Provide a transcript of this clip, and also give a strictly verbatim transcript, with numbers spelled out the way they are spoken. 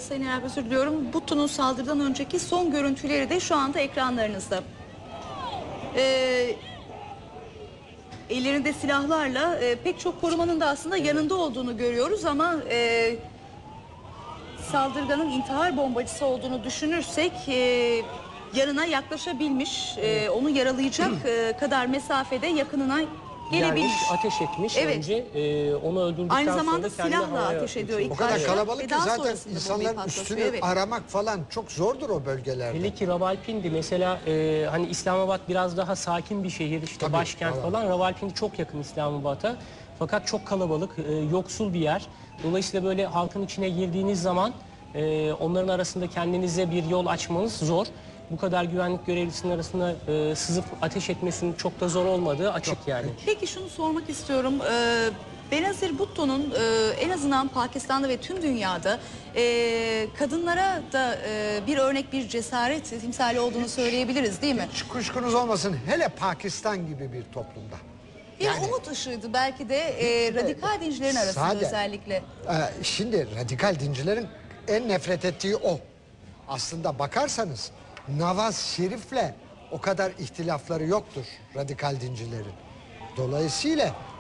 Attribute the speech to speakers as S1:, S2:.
S1: Sayın Erap, özür diliyorum. Buttu'nun saldırıdan önceki son görüntüleri de şu anda ekranlarınızda. Ee, ellerinde silahlarla e, pek çok korumanın da aslında yanında olduğunu görüyoruz ama e, saldırganın intihar bombacısı olduğunu düşünürsek e, yanına yaklaşabilmiş, e, onu yaralayacak e, kadar mesafede yakınına gelebilmiş.
S2: Gelmiş, ateş etmiş.
S1: Evet.
S2: Önce e, onu öldürdükten
S1: Aynı zamanda
S2: sonra kendi
S1: silahla
S2: havaya
S1: ateş ediyor.
S2: atmış.
S1: İlk
S3: O kadar
S1: başta
S3: kalabalık
S1: ve
S3: ki
S1: daha
S3: zaten
S1: sonrasında bombayı
S3: insanların
S1: patlatıyor,
S3: üstünü
S1: evet.
S3: aramak falan çok zordur o bölgelerde.
S2: Hele ki Ravalpindi mesela, e, hani İslamabad biraz daha sakin bir şehir, işte
S3: Tabii,
S2: başkent
S3: tamam.
S2: falan. Ravalpindi çok yakın İslamabad'a. Fakat çok kalabalık, e, yoksul bir yer. Dolayısıyla böyle halkın içine girdiğiniz zaman e, onların arasında kendinize bir yol açmanız zor. Bu kadar güvenlik görevlisinin arasında e, sızıp ateş etmesinin çok da zor olmadığı açık yani.
S1: Peki şunu sormak istiyorum. Ee, Benazir Bhutto'nun e, en azından Pakistan'da ve tüm dünyada e, kadınlara da e, bir örnek, bir cesaret timsali olduğunu söyleyebiliriz, değil mi?
S3: Hiç kuşkunuz olmasın, hele Pakistan gibi bir toplumda.
S1: Bir
S3: Yani-
S1: umut ışığıydı belki de e, radikal dincilerin arasında
S3: Sade.
S1: özellikle.
S3: Ee, şimdi radikal dincilerin en nefret ettiği o. Aslında bakarsanız Nawaz Şerif'le o kadar ihtilafları yoktur radikal dincilerin. Dolayısıyla